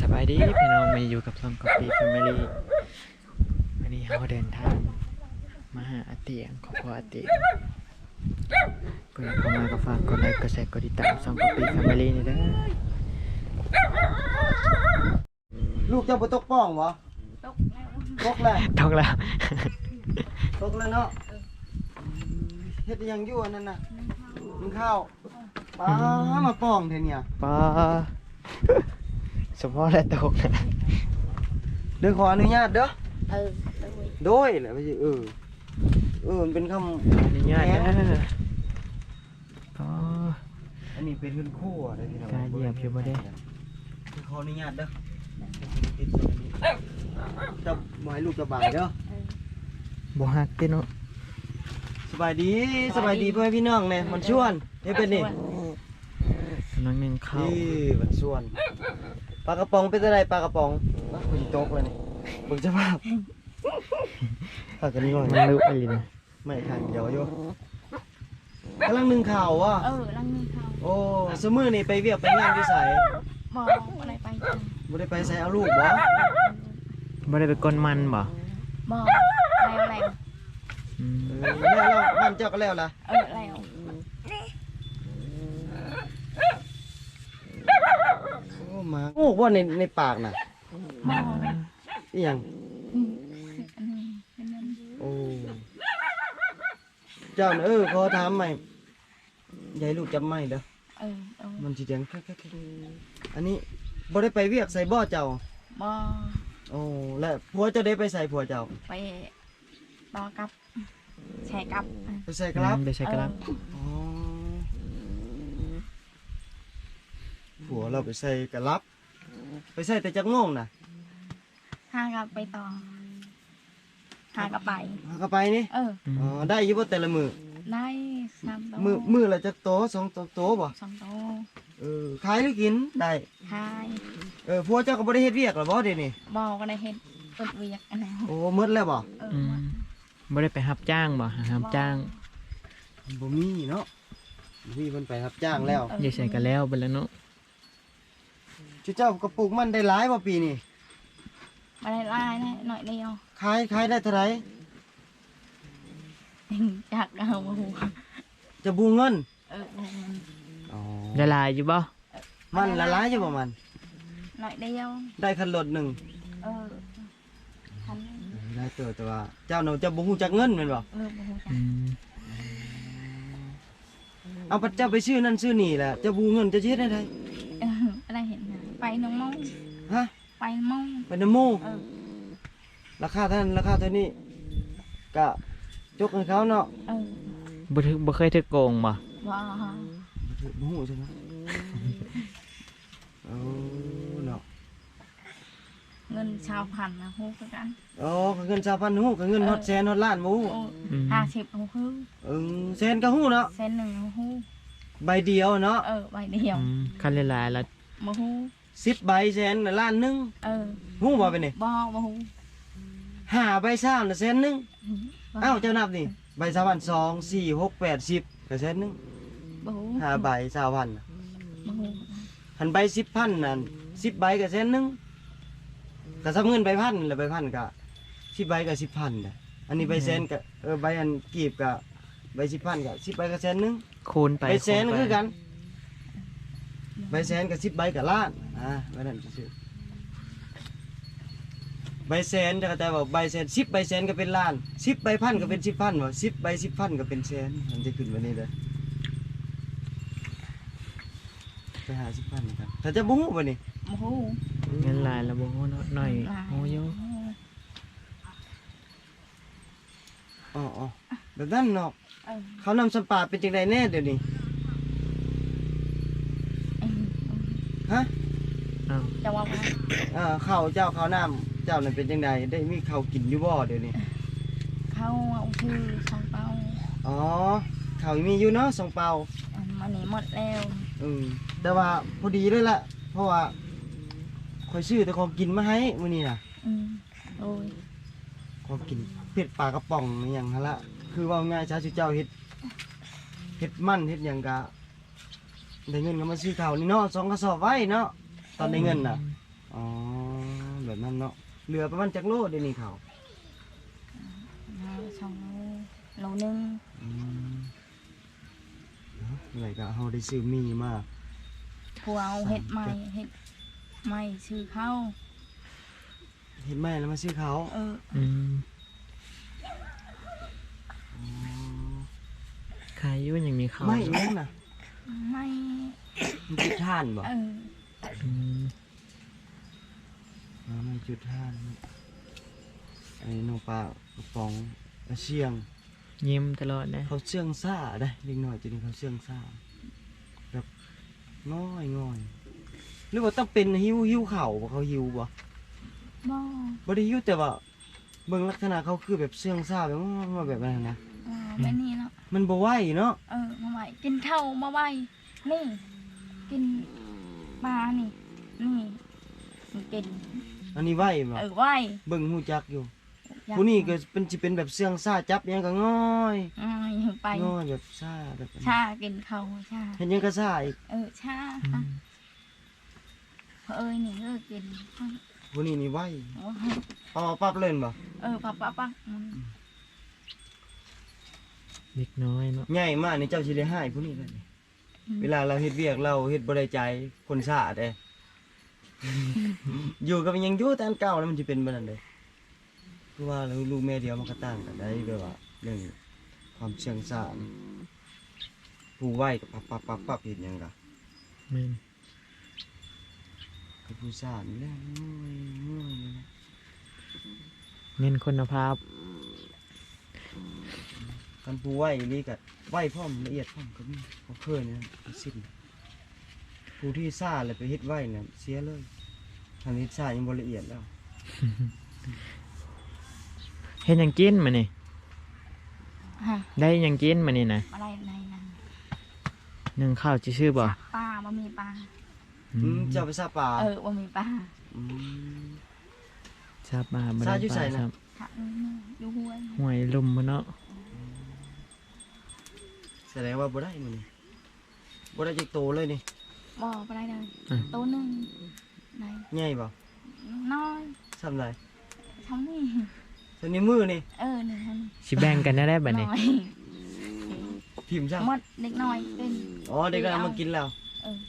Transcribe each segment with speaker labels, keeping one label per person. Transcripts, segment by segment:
Speaker 1: บายดีพี่น้องมาอยู่กับซองกอปีแฟมิลี่วันนี้เราเดินทางมาหาอาเตียงครอบครัวอาเตียงเพื่อนเข้ามาก็ฝากกดไลค์กดแชร์กดติดตามซองกอปีแฟมิลี่นี่เด้อ
Speaker 2: ลูกเจ้าบ่ตกป้องบ่ตกแล้ว
Speaker 1: ต้องแล้ว
Speaker 2: ตกแล้วเนาะเฮ็ดอิหยังอยู่อันนั้นน่ะกินข้าวปลามาป้องแท้เนี่ย
Speaker 1: ป้าเฉพาะและตกนะ
Speaker 2: เดี๋ยวขออนุญาตเด้อ
Speaker 3: Ừ,
Speaker 2: โดยแหละว่าสิมันเป็นคำ
Speaker 1: อนุญาตนะอ๋อ
Speaker 2: อันนี้เป็นเงินคู่อะไรพี่น้อง
Speaker 1: กล้าเหยียบอยู่บ่ได้
Speaker 2: ขออนุญาตเด้อติดตัวนี้เจ้าบ่ให้ลูกสบายเด้อ
Speaker 1: บ่ฮักติเนาะ
Speaker 2: สบายดีเพื่อนพี่น้องแน่มันชวนเฮ็ดเป็นนี่
Speaker 1: กำลังนึ่งข้าว
Speaker 2: นี่มันชวนปลากระป๋องเป็นอะไรปลากระป๋องคุณโต๊ะเลยนี่เบิ่งสภาพถ้ากันง่อย
Speaker 1: มันลุกอะไรนะ
Speaker 2: ไม่ขันเดียวอยู่กำลังนึ่งข่าวว่ะ
Speaker 3: lăng như không
Speaker 2: โอ้สมือนี่ไปเวียกไปงานที่ไส
Speaker 3: bò ở đây bay chân
Speaker 2: บ่ได้ไปไสเอาลูกบ่
Speaker 1: บ่ได้ไปกลมันบ่
Speaker 3: bò leo leo
Speaker 1: อืม
Speaker 2: แล้วบ้านเจ้าก็แล้วล่ะ
Speaker 3: leo
Speaker 2: โอ้มาโอ้ว่าในปากน่ะ
Speaker 3: bò
Speaker 2: อีหยัง
Speaker 3: bên bên
Speaker 2: โอ้เจ้าน่ะขอถามใหม่ยายลูกจำไม่เด้อ มันสิเสียงแค่อันนี้บ่ได้ไปเวียกใส่บ่อเจ้า
Speaker 3: bò
Speaker 2: โอ้และผัวเจ้าได้ไปใส่ผัวเจ้า
Speaker 3: ไปbò cặp xe cặp
Speaker 2: ไปใส่ครับ
Speaker 1: ไปใช้กระลับ
Speaker 2: อ๋อผัวเราไปใส่กระลับ ไปใส่แต่จักโมงน่ะ
Speaker 3: hai cặp bay to hai cặp bay
Speaker 2: หาเข้าไปนี่
Speaker 3: ừ
Speaker 2: อ๋อได้อยู่บ่แต่ละมื้อ
Speaker 3: đây sam to
Speaker 2: มื้อละจักโตสองโตบ่
Speaker 3: sam to
Speaker 2: ขายหรือกินได้
Speaker 3: hai
Speaker 2: ผัวเจ้าก็บ่ได้เฮ็ดเวียกหรอบ่เดี๋ยวนี้
Speaker 3: bò cái này hết tụt việc anh nào
Speaker 2: โอ้หมดแล้วบ่
Speaker 1: อืมบ่ได้ไปรับจ้างบ่รับจ้าง
Speaker 2: บ่มีเนาะบ่มีเพิ่นไปรับจ้างแล้ว
Speaker 1: อย่าใส่กันแล้วไปแล้วเนาะ
Speaker 2: เจ้าก็ปลูกมันได้หลายบ่ปีนี้
Speaker 3: mà đây lai này nội đeo
Speaker 2: ขายได้เท่าไหร่
Speaker 3: chặt đầu mà
Speaker 2: จะบูเงิน อ๋อ
Speaker 1: ละลายอยู่บ่
Speaker 2: มันละลายอยู่บ่มัน
Speaker 3: nội đeo
Speaker 2: ได้คันรถหนึ่ง
Speaker 3: thành
Speaker 2: ได้เติบแต่ว่าเจ้าหนูจะบ่ฮู้จักเงินแม่นบ่
Speaker 3: bò chặt
Speaker 1: อืม
Speaker 2: เอาปัจเจ้าไปซื้อนั่นซื้อนี่แหละจะบูเงินจะเฮ็ดได้ได
Speaker 3: ở đây hiện bay nông mông
Speaker 2: ฮะ
Speaker 3: bay mông
Speaker 2: ไปนำหมู่ราคาเท่านั้นราคาเท่านี้ก็จกให้เขาเนาะ
Speaker 1: บ่เคยถึกโกงบ่
Speaker 3: bò
Speaker 2: บ่ฮู้ใช่ไหมเอาเนาะ
Speaker 3: ngân sao hành là hô cái anh
Speaker 2: อ๋อก็เงิน2,000ฮู้ก็เงินฮอดแสนฮอดล้านบ่ฮู้
Speaker 3: 20 hô hư
Speaker 2: แสนก็ฮู้เนาะ
Speaker 3: sen nừng hô
Speaker 2: ใบเดียวเนาะ
Speaker 3: bay đeo
Speaker 1: คันละลายแล้ว
Speaker 3: mà hô
Speaker 2: 10ใบแสนน่ะล้านหนึงฮู้บ่เป็นนี่
Speaker 3: bò mà hô
Speaker 2: 5ใบซ่าน่ะแสนหนึงอ้าวเจ้านับนี่ใบ3,000 2 4 6 8 10ก็แสนหนึง
Speaker 3: bò hô
Speaker 2: 5ใบ20,000
Speaker 3: mà hô
Speaker 2: หันใบ10,000นั่น10ใบก็แสนหนึงก็ซับเงินใบพันแล้วใบพันก็10ใบก็10,000น่ะอันนี้ใบแสนก็ใบอันกีบก็ใบ10,000ก็10ใบก็แสนหนึง
Speaker 1: คูณไป
Speaker 2: ใบแสน
Speaker 1: คูณไป
Speaker 2: คือกันใบแสนกับ10ใบกับล้านใบนั้นซื่อใบแสนจะเข้าใจว่าใบแสน10ใบแสนก็เป็นล้าน10ใบพันก็เป็น10,000ว่า10ใบ10,000ก็เป็นแสนมันจะขึ้นวันนี้เลยไปหา10,000กันถ้าจะบ่ฮู้บ่นี่
Speaker 3: mà hô
Speaker 1: เงินลายแล้วบ่ฮู้เนาะหน่อยโอ้ย
Speaker 2: อ๋อแบบนั้นเนาะเขานำสัมปาเป็นจังไดแน่เดี๋ยวนี้ฮะ
Speaker 1: อ้าว
Speaker 3: cho bò
Speaker 2: ข้าวเจ้าข้าวน้ำเจ้านั่นเป็นจังไดได้มีข้าวกินอยู่บ่เดี๋ยวนี้
Speaker 3: khâu ông thư xong tao
Speaker 2: อ๋อข้าวมีอยู่เนาะสองเปา
Speaker 3: mà nỉ một leo
Speaker 2: แต่ว่าพอดีเลยล่ะเพราะว่าคอยซื้อแต่ของกินมาให้มื้อนี้น่ะ
Speaker 3: rồi
Speaker 2: ของกินเผ็ดปลากระป๋องอหย่างหั่นละคือว่าง่ายชาชูเจ้าเฮ็ดมันเฮ็ดหยังกะได้เงินก็มาซื้อข้าวนี่เนาะ2กระสอบไว้เนาะตอนได้เงินน่ะอ๋อแบบนั้นเนาะเหลือประมาณจักโลเดี๋ยวนี้เขา
Speaker 3: เอาสองโลนึง
Speaker 2: อืมเนาะอะไรก็เฮาได้ซื้อมีมา
Speaker 3: ผัวเอาเห็ดใหม่เห็ดใหม่ชื่อเข้า
Speaker 2: เห็นไหมแล้วมาซื้อเขา
Speaker 1: อืมขายอยู่ยังมีข้าว
Speaker 2: ไม่นั่นน่ะ
Speaker 3: ไม่
Speaker 2: มันจุดท่านบ่
Speaker 3: เออ
Speaker 1: อืม
Speaker 2: มันจุดท่านไอ้น้องปลากระป๋องกระเชียง
Speaker 1: ยิ้มตลอดนะ
Speaker 2: เขาเชื่องซ่าได้เล็กน้อยจะนี่เขาเชื่องซ่าแบบง่อยหรือว่าต้องเป็นหิวเข่าบ่เขาหิวบ่
Speaker 3: บ่
Speaker 2: บ่ได้หิวแต่ว่าเบิ่งลักษณะเขาคือแบบเชื่องซ่าแบบว่าแบบนั้นนะ
Speaker 3: แบบนี้เนาะ
Speaker 2: มันบ่ไหวเนาะ
Speaker 3: มาไหวกินข้าวมาไหวนี่ กินปลานี่มันกิน
Speaker 2: อันนี้ไหวบ่
Speaker 3: ไหว
Speaker 2: เบิ่งฮู้จักอยู่
Speaker 3: อยาก
Speaker 2: ผู้นี้ก็เป็นสิเป็นแบบเชื่องซ่าจับหยังก็ง่อย
Speaker 3: ไป
Speaker 2: ง่อยแบบซ่าแบบนั้น
Speaker 3: ชากินข้าวชา
Speaker 2: เห็นหยังก็ซ่าอีก
Speaker 3: ชา
Speaker 1: อืม
Speaker 3: นี่กิน
Speaker 2: ผู้นี้นี่ไหวเอาปั๊บเล่นบ่
Speaker 3: ปัก
Speaker 1: เด็กน้อยเนาะ
Speaker 2: ใหญ่มากนี่เจ้าสิได้ให้ผู้นี้เลยเวลาเราเฮ็ดเวียกเราเฮ็ดบ่ได้ใจคนซ่าเด้ อยู่กับยังอยู่แต่อันเก่าแล้วมันสิเป็นแบบนั้นเด้คือว่าลูกแม่เดียวมันก็ต่างกันได้แบบว่าเรื่องความเชื่องซ่านี่ผู้ไหวกับปั๊บเฮ็ดหยังก็
Speaker 1: แม่น
Speaker 2: กับผู้ซ่านี่แหละง่อยเลยนะ
Speaker 1: เน้นคุณภาพ
Speaker 2: กันผู้ไหวนี่ก็ไหวพร้อมละเอียดพร้อมก็มีบ่เคยนะสิ้นผู้ที่ซ่าแล้วไปเฮ็ดไหวน่ะเสียเลยทางเฮ็ดซ่ายังบ่ละเอียดแล้ว
Speaker 1: เฮ็ดหยังกินมานี่
Speaker 3: ฮะ
Speaker 1: ได้หยังกินมานี่นะ
Speaker 3: อะไรในนั้น
Speaker 1: นึ่งข้าวชื่อบ่
Speaker 3: ปลาบ่มีปลา
Speaker 2: เจ้าไปซาป่า
Speaker 3: บ่มีปลา
Speaker 2: อืม
Speaker 1: ทราบมาบ่
Speaker 2: ทรา
Speaker 1: ได้
Speaker 2: บอยู่ไส
Speaker 1: ปลา
Speaker 2: น่ะ
Speaker 1: ครับ
Speaker 3: ถ้าดูห้วย
Speaker 1: ห้วยลุ่มบ่เนาะ
Speaker 2: แสดงว่าบ่ได้มื้อนี้บ่ได้จักโตเลยนี่
Speaker 3: บ่ไปได้เลยตัวนึงไหน
Speaker 2: ใหญ่บ่
Speaker 3: น้อย
Speaker 2: ซ้ำไร
Speaker 3: ทำนี่
Speaker 2: ส่วนนี้มือนี่
Speaker 3: นี่ฮะ
Speaker 1: สิแบ่งกันได้บัดนี้
Speaker 3: น้อย
Speaker 2: พิมพ์ซ้
Speaker 3: หมดเด็กน้อยเป็น
Speaker 2: ำอ๋อเด็กก็เอามากินแล้ว
Speaker 3: เออ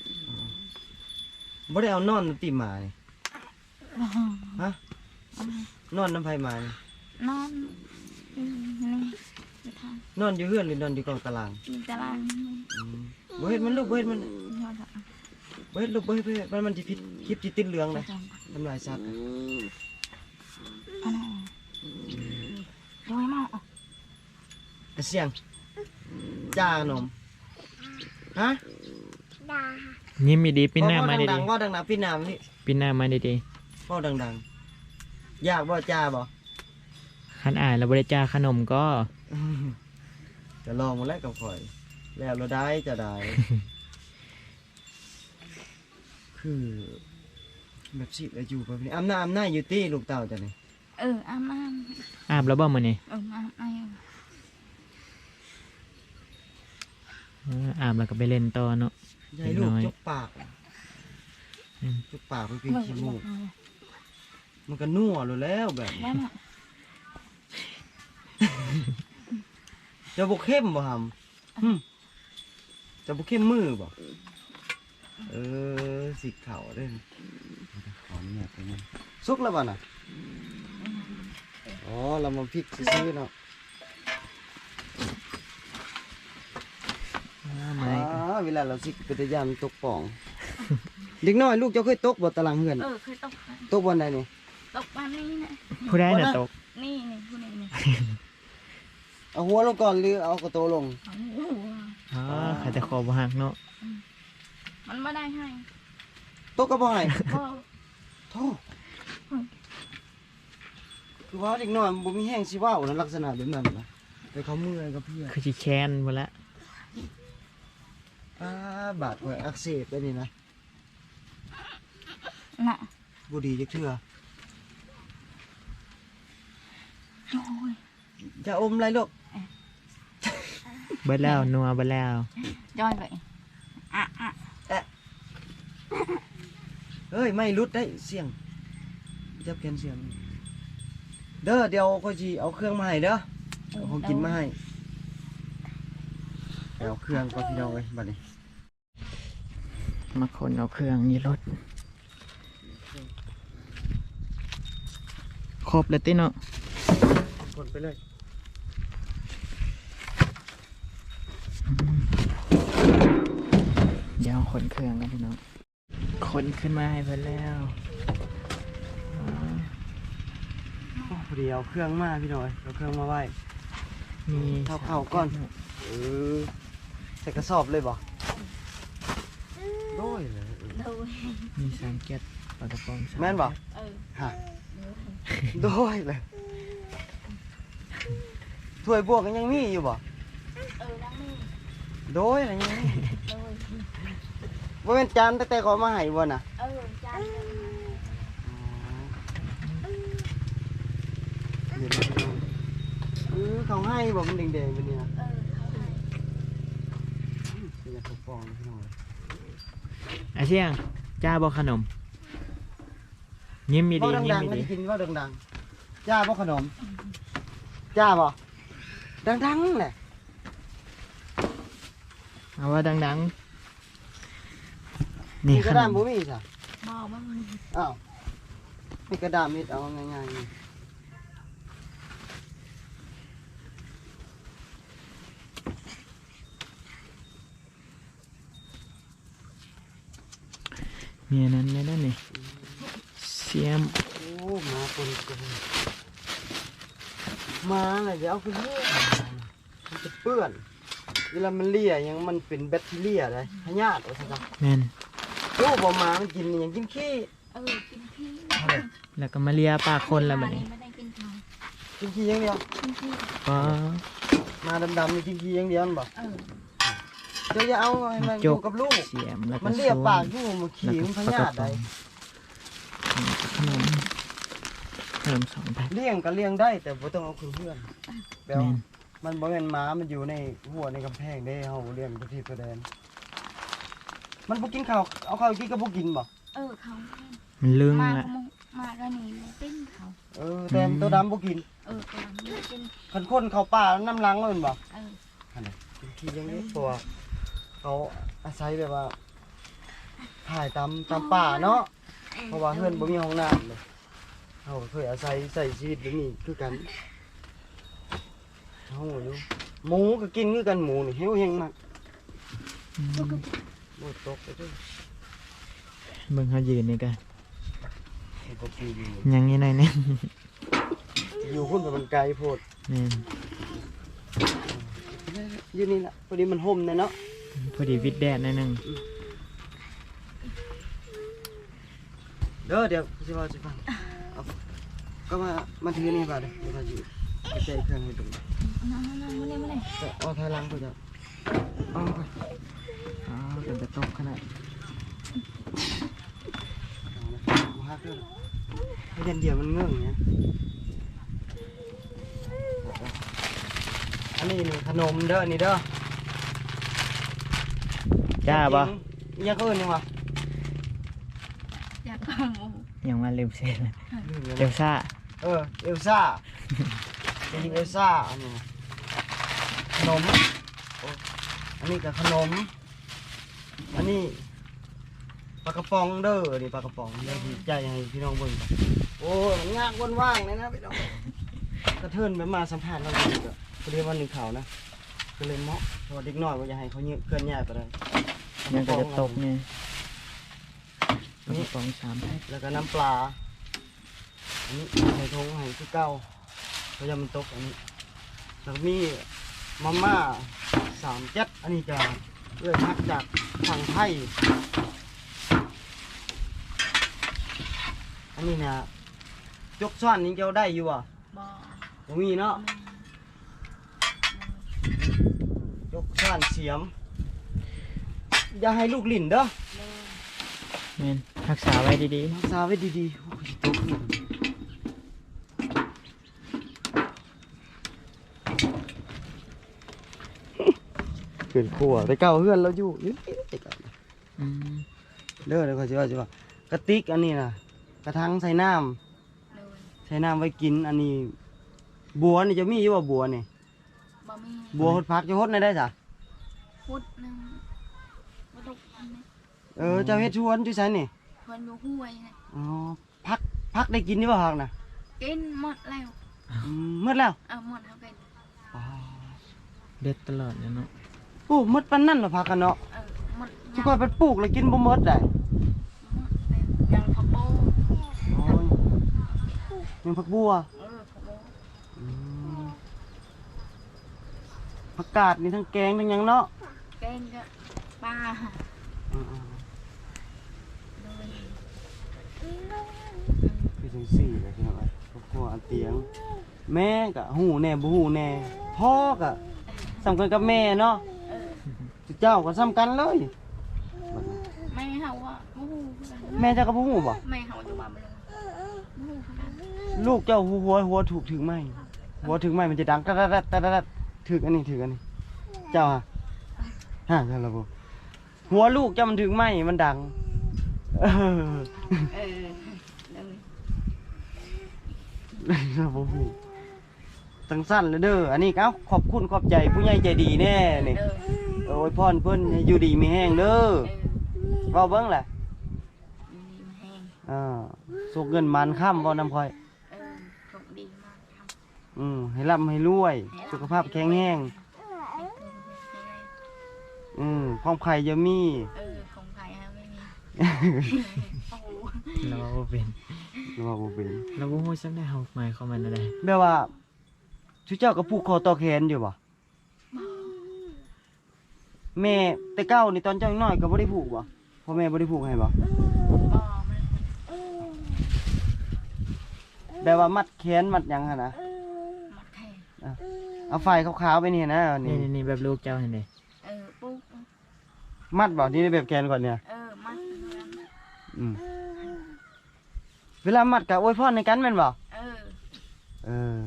Speaker 2: บ่ได้เอานอนติหมานี่
Speaker 3: บ่
Speaker 2: ฮะนอนน้ำไผมานี่
Speaker 3: นอนนี่ไปทาง
Speaker 2: นอนอยู่เฮือนหรือนอนอยู่กองตาราง
Speaker 3: มีตาราง
Speaker 2: อืมบ่เฮ็ดมันลูกบ่เฮ็ดมัน
Speaker 3: ยอดอ่ะ
Speaker 2: บ่เฮ็ดลูกบ่เฮ็ดมันสิผิดคลิปสิติดเหลือง
Speaker 3: ไป
Speaker 2: นะ
Speaker 3: จอง
Speaker 2: ทำลายสัตว์นะ
Speaker 3: อันนั้นโดยมาก
Speaker 2: อ่ะเสียงจ้าขนมฮะ
Speaker 1: ยิ้มดีๆปีหน้ามาดี
Speaker 2: ดังๆว่าดังๆพี่น้าพี่
Speaker 1: ๆปีหน้ามาดี
Speaker 2: เว้าดังๆอยากบ่จ้าบ่
Speaker 1: ๆคันอ่านแล้วบ่ได้จ้าขนมก็
Speaker 2: จะลองมาแล้วกับข่อย แล้วเราได้จะได้ คือแบบสิอยู่แบบนี้อำนาจอยู่ตี้ลูกเต่าจ้ะนี่
Speaker 3: อาบน้
Speaker 1: อาบแล้วบ่มื้อนี้
Speaker 3: ำอาบน้ำ
Speaker 1: อาบแล้วก็ไปเล่นต่อเนาะ
Speaker 2: ยายลูก
Speaker 1: น้อย
Speaker 2: จกปาก
Speaker 1: อืม
Speaker 2: จกปากมันเป็นขี้มูกมันก็นัวเลยแล้วแบบนี้
Speaker 3: แล้วน่ะ
Speaker 2: จะบกเข้มบ่หำจะบกเข้มมือบ่สิเข่าเด้ขอเนี่ยไปนี่สุกแล้วบ่น่ะอ๋อเรามาพริกซื้อๆเนาะ เวลาเราสิกระยานตกป่อง เด็กน้อยลูกเจ้าเคยตกบ่ตารางเฮือน
Speaker 3: เคยตก
Speaker 2: ตกบนใดนี่
Speaker 3: ตกบ้านนี่นะ
Speaker 1: ผู้ใดน่ะตก
Speaker 3: นี่ผู้นี้นี่
Speaker 2: เอาหัวลงก่อนหรือเอากระโตลง
Speaker 3: โอ้โห
Speaker 1: อ๋อเขาจะคอบ่หักเนาะ
Speaker 3: มันไม่ได้ให้
Speaker 2: ตกก็บ่ให้
Speaker 3: ก็
Speaker 2: โธ่คือว่าเด็กน้อยมันบ่มีแห้งสิเว้านะลักษณะแบบนั้นนะไปเขาเมื่อยกับเพื่อน
Speaker 1: คือสิแค้นบ่ละ
Speaker 2: บาดหัวอักเสบไปนี่นะ
Speaker 3: น่ะ
Speaker 2: บ่ดีจักเทื่อ
Speaker 3: โอ้ย
Speaker 2: จะอมอะไรลูก
Speaker 1: เบิดแล้วนัวเบิดแล้ว
Speaker 3: ย้อยไป
Speaker 2: เเฮ้ยไม่รุดได้เสียงจับแขนเสียงเด้อเดี๋ยวค่อยสิเอาเครื่องมาให้เด้อเอาของกินมาให้เอาเครื่องก็พี่น้องเอ้ยบัดนี้
Speaker 1: มาขนเอาเครื่องนี่รถครบแล้วติเนาะ
Speaker 2: กดไปเลย
Speaker 1: เดี๋ยวขนเครื่องกันพี่น้องขนขึ้นมาให้เพิ่นแล้ว
Speaker 2: โอ้พอดีเอาเครื่องมาพี่น้อยเอาเครื่องมาไว้
Speaker 1: มี
Speaker 2: เข้าก่อนใส่กระสอบเลยบ่โด้วยเลย
Speaker 3: โดย
Speaker 1: มีสามเก็ดปลากระป๋อง3
Speaker 2: แม่นบ่
Speaker 3: เออ
Speaker 2: ฮะโด้วยเลยถ้วยบวกกันยังมีอยู่บ่
Speaker 3: ดังนี่
Speaker 2: โด้วยอะไรยังมี
Speaker 3: โดย
Speaker 2: บ่เป็นจานแต่ก็เอามาให้บ่น่ะ
Speaker 3: จานเลย
Speaker 2: เดี๋ยวพี่น้องเขาให้บ่มันแดงๆเป็นนี่นะ
Speaker 3: เขาให้
Speaker 2: เป็นยาเขาฟองพี่น้อง
Speaker 1: ไอ้เสี่ยงจ้าบ่ขนมยิ้มมี
Speaker 2: เว้า
Speaker 1: ดียิ้ม
Speaker 2: ดัง
Speaker 1: มี
Speaker 2: ๆไม่
Speaker 1: ดี
Speaker 2: ได้กินเว่าดังๆจ้าบ่ขนมจ้าบ่ดังๆแหละ
Speaker 1: เอาว่าดังๆ
Speaker 2: มี
Speaker 1: นี่
Speaker 2: ก
Speaker 1: ข
Speaker 2: ระ
Speaker 1: น
Speaker 2: ดาน
Speaker 1: ม
Speaker 2: บ่มีจ้ะ
Speaker 3: บอกว่ามัน
Speaker 2: อ้าวมีกระดาษมิดเอาง่ายๆนี่
Speaker 1: มีอันนั้นไหมนั่นนี่เสียม
Speaker 2: โอ้มาคนกันมาน่ะเดี๋ยวเอาไปเลี้ยมันจะเปื้อนเวลามันเลียยังมันเป็นแบคทีเรียได้พยาธิว่าซั่นจ้ะ
Speaker 1: แม่น
Speaker 2: โอ้บ่มามันกินนี่ยังกินขี้
Speaker 3: กินพี่
Speaker 1: แล้วก็มาเลียปากคนแล้วบัดนี้
Speaker 3: ไม่ได้กินข้าว
Speaker 2: กินขี้อย่างเดียว
Speaker 3: กินพี่
Speaker 1: ก็
Speaker 2: มาดำๆนี่กินขี้อย่างเดียวนั่นบ่
Speaker 3: เออ
Speaker 2: เดี๋ยวอย่าเอาให้มันอ
Speaker 1: จ
Speaker 2: ยู่
Speaker 1: ก
Speaker 2: กับลูก
Speaker 1: เสียมแล้วก็
Speaker 2: มันเลีย
Speaker 1: ส้ว
Speaker 2: ปากอยู่มันขี้มันพยาธิได้
Speaker 1: ขนมขนม2 แพ็ค
Speaker 2: เลี้ยงก็เลี้ยงได้แต่บ่ต้องเอาคืนเพื่อนแปล
Speaker 1: แม่
Speaker 2: ว่าน มันบ่แม่นหมามันอยู่ในหัวในกำแพงเด้เฮาเลี้ยงประเทศประแดนมันบ่กินข้าวเอาข้าวกินก็บ่กินบ่
Speaker 3: เขา
Speaker 1: มันลึง
Speaker 3: มา
Speaker 1: ละ
Speaker 3: มาก็นี่ปิ้งเขา
Speaker 2: แต่ตัวดำบ่กิน
Speaker 3: ตัวนี้กิน
Speaker 2: คันคนเข้าป่าน้ำลังแล้วแม่นบ่
Speaker 3: เออ
Speaker 2: อันนี้กินขี้อย่างนี้เพราะว่าเขาอาศัยแบบว่าถ่ายตามป่าเนาะเพราะว่าเฮือนบ่มีห้องน้ำเลยเฮาก็เคยอาศัยใช้ชีวิตแบบนี้คือกันเฮาอยู่หมูก็กินคือกันหมูนี่เฮวแฮงมาก
Speaker 1: อืม
Speaker 2: บ่ตกไปเด้อ
Speaker 1: เบิ่งเขายืนนี่กัน
Speaker 2: ไอ้บ่ปีอยู่
Speaker 1: ยังงี้หน่อยนึง
Speaker 2: อยู่พุ่นไปมันไกลโพด
Speaker 1: แม่น
Speaker 2: อยู่นี่ล่ะพอดีมันห่มเนาะ
Speaker 1: พอดีวิดแดดหน่อยนึง
Speaker 2: เด้อเดี๋ยวสิว่าสิฟังเอาก็มาถือนี่บ่าเด้อเดี๋ยวว่าอยู่ไปใจเครื่องให้ตรงนี้
Speaker 3: นั่งมาเลย
Speaker 2: เอาถอยหลังไปจ้ะเอาไป
Speaker 1: อ๋อเป็นกระตกขนาด
Speaker 2: เอาฮักด้วยให้เดียวมันเงื่องเงี้ยอันนี้นี่ขนมเด้อนี่เด้อ
Speaker 1: จ้าบ่
Speaker 2: ยังก็อื่นยังวะ
Speaker 3: อยากเอาหมู
Speaker 1: ยังมาลืมเส้นเลย
Speaker 2: ลืมเลย
Speaker 1: เอลซ่า
Speaker 2: เอลซ่าเป็นเอลซ่าอันนี้ขนมโอ้อันนี้กับขนม อันนี้ปลากระป๋องเด้อนี่ปลากระป๋องเดี๋ยวพี่ใจให้พี่น้องเบิ่งก่อนโอ้ยมันยากวนว่างเลยนะพี่น้องกระเทินไปมาสัมผัสเราเลยก็พอดีวันหนึ่งเขานะก็เลยเหมาะเพราะว่าเด็กน้อยว่าจะให้เขาเคลื่อนย้ายไปเลย
Speaker 1: ยังก็จะตกเนี่ยกระป๋อง3 แพ็ค
Speaker 2: แล้วก็น้ำปลาอันนี้ใส่ทงให้คือเก้าเพราะยามันตกอันนี้แล้วก็มีมาม่า3 แก๊สอันนี้จะเลื่อยพักจากฝั่งไทยอันนี้นะยกซ้อนนี้เจ้าได้อยู่อ่ะ
Speaker 3: บอก
Speaker 2: บ่มีเนาะยกซ้อนเสียม อย่าให้ลูกหลิ่นเด้อ
Speaker 1: แม่นรักษาไว้ดี
Speaker 2: รักษาไว้ดีๆโอ้ยตกนี่เพื่อนครัวไปเก่าเพื่อนเราอยู่นี่
Speaker 1: ๆอืม
Speaker 2: เด้อเดี๋ยวเขาสิว่ากระติกอันนี้น่ะกระถางใส่น้ำ
Speaker 3: โดย
Speaker 2: ใช้น้ำไว้กินอันนี้บัวนี่จะมีอยู่ว่าบัวนี่
Speaker 3: บ่มี
Speaker 2: บัวหดพักจะหดได้จ้ะ
Speaker 3: พุดหนึงบ่ตกอันนี้
Speaker 2: เจ้าเฮ็ดชวนจุไสนี่
Speaker 3: เพิ่นอยู่ห้วยนะ
Speaker 2: อ๋อพักได้กินนี่บ่พักน่ะ
Speaker 3: กินหมดแล้ว
Speaker 2: หมดแล้ว
Speaker 3: หมดแล้วกิน
Speaker 2: อ๋อ
Speaker 1: เด็ดตลอดเลยเนาะ
Speaker 2: โอ้หมดปานนั้นเหรอพักกันเนาะ
Speaker 3: หมด
Speaker 2: ทุกคนไปปลูกแล้วกินบ่หมดได้
Speaker 3: หมดแล้วยังผักโบ
Speaker 2: โอ้ยยังผักบัว
Speaker 3: ผักโบ
Speaker 2: อืมผักกาดนี่ทั้งแกงทั้งหยังเนาะ
Speaker 3: แกงก็ปลา
Speaker 2: อืม
Speaker 3: โดย
Speaker 2: คือจังซี่แหละพี่น้องเอ้ยครอบครัวอันเตียง แม่ก็ฮู้แน่บ่ฮู้แน่พ่อก็สำคัญกับแม่เนาะเจ้าก็สำคัญเลย
Speaker 3: แม่เฮาว่าบ่ฮู้คือกัน
Speaker 2: แม่เจ้าก็บ่ฮู้บ่
Speaker 3: แม่เฮาอยู่บ้านบ่เลยบ่ฮู้คือกัน
Speaker 2: ลูกเจ้าหัวถูกถึงไหมหัวถึงไหมมันจะดังตัดถึกอันนี้เจ้าฮะเจ้าละบ่หัวลูกเจ้ามันถึงไหมมันดังเออ
Speaker 3: โดย
Speaker 2: เราบ่ฮู้จังสั้นเลยเด้ออันนี้เอ้าขอบคุณขอบใจผู้ใหญ่ใจดีแน่นี่
Speaker 3: เออ
Speaker 2: โอ้ยพรเพิ่นให้อยู่ดีมีแห้งเด้อเว้าเบิ่งแหละ
Speaker 3: อยู่ดีมาแห้ง
Speaker 2: สุกเงินมันค่ำบ่นำค่อย
Speaker 3: โชคดีมากครับ
Speaker 2: ให้ร่ำให้รวย สุขภาพแข็งแรงความไข่จะมี
Speaker 3: ของใครฮะไม่มีโอ้โห
Speaker 1: เราบ่เป็น
Speaker 2: หรือว่าบ่เป็น
Speaker 1: เราบ่ฮู้จักได้เฮาหมายความว่าอะไร
Speaker 2: แบบว่าชุเจ้าก็ผูกคอต่อแขนอยู่บ่แม่แต่เก้านี่ตอนเจ้ายังน้อยก็บ่ได้ผูกบ่พ่อแม่บ่ได้ผูกให้บ่
Speaker 3: บ่มัน
Speaker 2: แบบว่ามัดแขนมัดหยังหั่นนะ
Speaker 3: มัดแทน
Speaker 2: เอาไฟขาวๆไปนี่นะนี่
Speaker 1: นี่แบบลูกเจ้าเห็นดิ
Speaker 3: ปุ๊บ
Speaker 2: มัดบ่นี่แบบแขนก่อนเนี่ย
Speaker 3: มัด
Speaker 2: อืมเวลามัดก็อวยพรในกันแม่นบ่เออ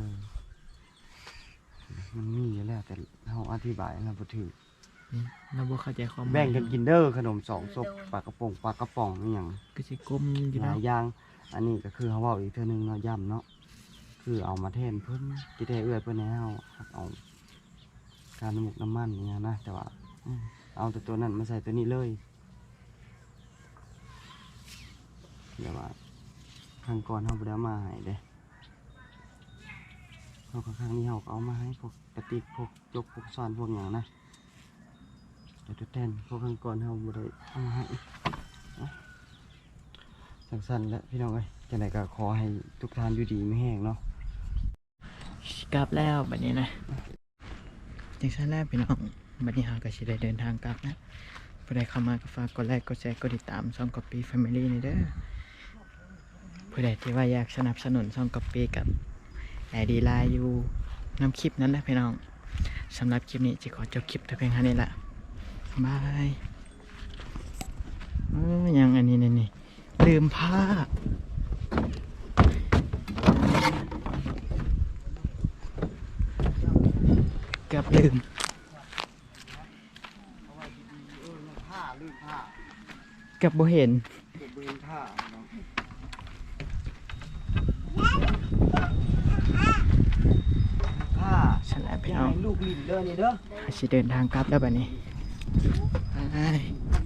Speaker 2: มันมีอยู่แล้วแต่เฮาอธิบายนะบ่ถูก
Speaker 1: นี่เราบ่เข้าใจความหมาย
Speaker 2: แบ่งกันกินเด้อขนมสองศพปลากระป๋องนี่หยัง
Speaker 1: ก็สิกลมอยู่
Speaker 2: หลา
Speaker 1: นะ
Speaker 2: ยอย่างอันนี้ก็คือเขาเว้าอีกเทื่อนึงเนาะย้ำเนาะคือเอามาแทนเพิ่นที่แท้เอื้อยเพิ่นให้เฮาเอาการน้ำมูกน้ำมันเนี่ยนะแต่ว่าเอาแต่ตัวนั้นมาใส่ตัวนี้เลยเดี๋ยวว่าครั้งก่อนเฮาบ่ได้เอามาให้เด้เฮาก็ครั้งนี้เฮาก็เอามาให้พวกกระติกพวกจกพวกซ่อนพวกหยังนะแต่ตัวแทนพวกครั้งก่อนเฮาบ่ได้เอามาให้ สั้นๆแล้วพี่น้องเอ้ยจังไดก็ขอให้ทุกท่านอยู่ดีไม่แห้งเนาะ
Speaker 1: กลับแล้วบัดนี้นะจังซั่นแล้วพี่น้องบัดนี้เฮาก็สิได้เดินทางกลับนะผู้ใดเข้ามาก็ฝากกดไลค์กดแชร์กดติดตามช่อง Copy Family นี่เด้อผู้ใดที่ว่าอยากสนับสนุนช่อง Copy กับ ID Line อยู่นำคลิปนั้นนะพี่น้องสำหรับคลิปนี้จะขอจบคลิปแต่เพียงเท่านี้ละบายยังอันนี้นี่ลืมผ้าเกับลืม
Speaker 2: ผ้าลืมผ้า
Speaker 1: เกับบ่เห็น
Speaker 2: เก็บบืนผ้าเนาะผ้า
Speaker 1: ฉันแหละพี่
Speaker 2: อย่า
Speaker 1: น้อง
Speaker 2: ให้ลูกลิ้นเด้อนี่เด้อ
Speaker 1: อาชิเดินทางกลับแล้วบัดนี้บาย